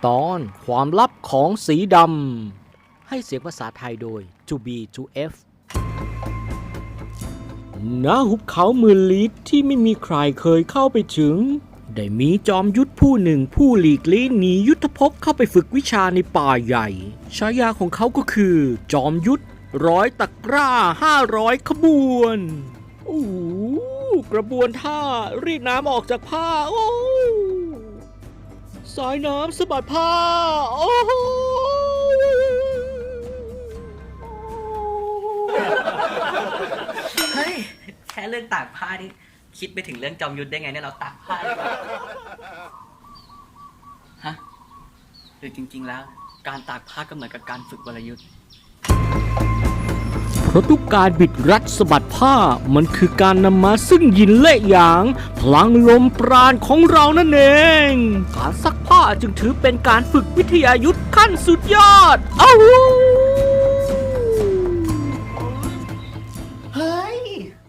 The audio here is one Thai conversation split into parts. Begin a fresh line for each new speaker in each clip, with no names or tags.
ตอนความลับของสีดำให้เสียงภาษาไทยโดย To B To F ณ หุบเขาหมื่นลี้ที่ไม่มีใครเคยเข้าไปถึงได้มีจอมยุทธผู้หนึ่งผู้หลีกลี่หนียุทธภพเข้าไปฝึกวิชาในป่าใหญ่ฉายาของเขาก็คือจอมยุทธ100 ตะกร้า500 ขบวนโอ้กระบวนท่ารีดน้ำออกจากผ้าโอ้สายน้ำสะบัดผ้าโอ้
เฮ้ยแค่เรื่องตากผ้านี่คิดไปถึงเรื่องจอมยุทธได้ไงเนี่ยเราตากผ้าฮะหรือจริงๆแล้วการตากผ้าก็เหมือนกับการฝึกวรยุทธ์
เพราะทุกการบิดรัดสะบัดผ้ามันคือการนำมาซึ่งยินและหยางพลังลมปราณของเรานั่นเองการซักผ้าจึงถือเป็นการฝึกวิทยายุทธขั้นสุดยอดอ้าว
เฮ้ย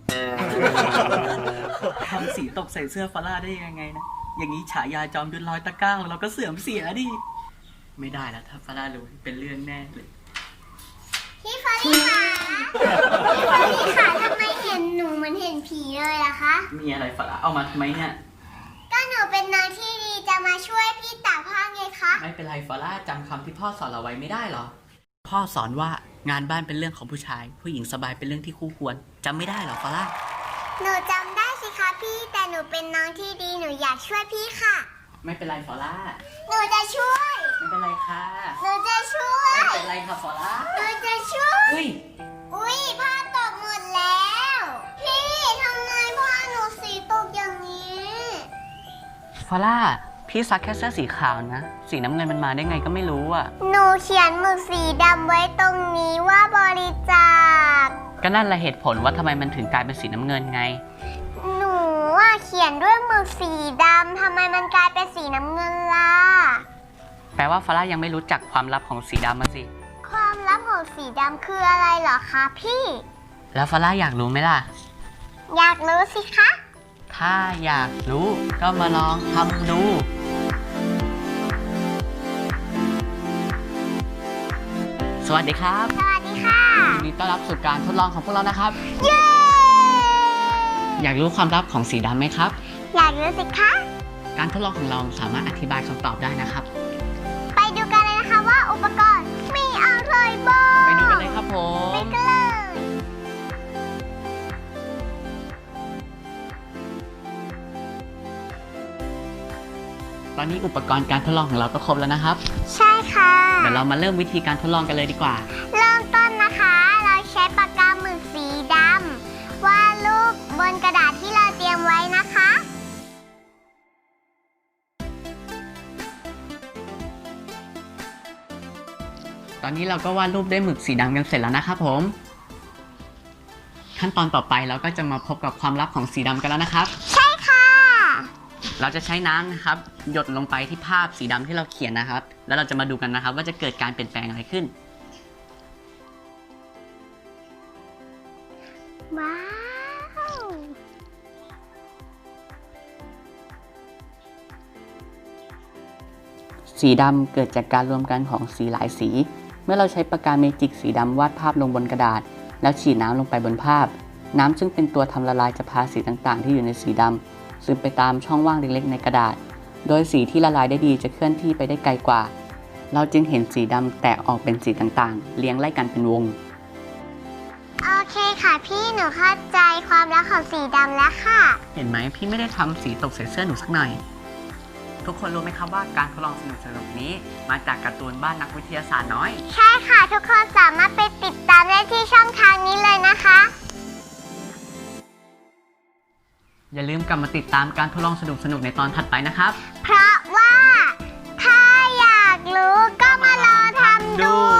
ทำสีตกใส่เสื้อฟาร่าได้ยังไงนะอย่างนี้ฉายาจอมยุทธ100 ตะกร้าของเราก็เสื่อมเสียดิไม่ได้แล้วถ้าฟาร่ารู้เป็นเรื่องแน่เลย
พี่ฟารี่ค่ะพี่ฟารี่ค่ะทำไมเห็นหนูเหมือนเห็นผีเลยล่ะคะ
มีอะไรฟาร่าเอามาทำไมเนี่ย
ก็หนูเป็นนางที่ดีจะมาช่วยพี่ตากผ้าไงคะ
ไม่เป็นไรฟาร่าจำคำที่พ่อสอนเราไว้ไม่ได้หรอพ่อสอนว่างานบ้านเป็นเรื่องของผู้ชายผู้หญิงสบายเป็นเรื่องที่คู่ควรจำไม่ได้หรอฟาร่า
หนูจำได้สิคะพี่แต่หนูเป็นน้องที่ดีหนูอยากช่วยพี่ค่ะ
ไม่เป็นไรฟาร่า
หนูจะช่วย
ไม่เป็นไรค่ะ
หนูจะช่วย
ไม่เป็นไรค่ะฟาร่า
หนูจะช่วยอุ้ยผ้าตกหมดแล้วพี่ทำไมผ้าหนูสีตกอย่างนี้
ฟาร่าพี่ซักแค่เสื้อสีขาวนะสีน้ำเงินมันมาได้ไงก็ไม่รู้อ่ะ
หนูเขียนหมึกสีดำไว้ตรงนี้ว่าบริจาค
ก็นั่นแหละเหตุผลว่าทำไมมันถึงกลายเป็นสีน้ำเงินไง
หนูเขียนด้วยหมึกสีดำทำไมมันกลายเป็นสีน้ำเงินล่ะ
แปลว่าฟาร่ายังไม่รู้จักความลับของสีดำมาสิ
ความลับของสีดำคืออะไรเหรอคะพี่
แล้วฟาร่าอยากรู้ไหมล่ะ
อยากรู้สิคะ
ถ้าอยากรู้ก็มาลองทำดูสวัสดีครับ
สวัสดีค่ะ
ยินดีต้อนรับสู่การทดลองของพวกเรานะครับ
เย้
อยากรู้ความลับของสีดำไหมครับ
อยากรู้สิคะ
การทดลองของเราสามารถอธิบายคำตอบได้นะครับ
ไปดูกันเลยนะคะว่าอุปกรณ์มีอะไรบ้าง
ไปดูกันเลยครับผม
ไปกันเลย
ตอนนี้อุปกรณ์การทดลองของเราก็ครบแล้วนะครับ
ใช่ค่ะ
เดี๋ยวเรามาเริ่มวิธีการทดลองกันเลยดีกว่า
เริ่มต้นนะคะเราใช้ปากกาหมึกสีดำวาดรูปบนกระดาษที่เราเตรียมไว้นะคะ
ตอนนี้เราก็วาดรูปด้วยหมึกสีดำกันเสร็จแล้วนะครับผมขั้นตอนต่อไปเราก็จะมาพบกับความลับของสีดำกันแล้วนะครับ
ใช่ค่ะ
เราจะใช้น้ำนะครับหยดลงไปที่ภาพสีดำที่เราเขียนนะครับแล้วเราจะมาดูกันนะครับว่าจะเกิดการเปลี่ยนแปลงอะไรขึ้น
ว้าว
สีดำเกิดจากการรวมกันของสีหลายสีเมื่อเราใช้ปากกาเมจิกสีดำวาดภาพลงบนกระดาษแล้วฉีดน้ำลงไปบนภาพน้ำซึ่งเป็นตัวทำละลายจะพาสีต่างๆที่อยู่ในสีดำซึมไปตามช่องว่างเล็กๆในกระดาษโดยสีที่ละลายได้ดีจะเคลื่อนที่ไปได้ไกลกว่าเราจึงเห็นสีดำแตกออกเป็นสีต่างๆเรียงไล่กันเป็นวง
โอเคค่ะพี่หนูเข้าใจความลับของสีดำแล้วค่ะ
เห็นไหมพี่ไม่ได้ทำสีตกใส่เสื้อหนูสักหน่อยทุกคนรู้ไหมครับว่าการทดลองสนุกๆนี้มาจากการ์ตูนบ้านนักวิทยาศาสตร์น้อย
ใช่ค่ะทุกคนสามารถไปติดตามได้ที่ช่องทางนี้เลยนะคะ
อย่าลืมกลับมาติดตามการทดลองสนุกๆในตอนถัดไปนะครับ
เพราะว่าถ้าอยากรู้ก็มาลองทำดู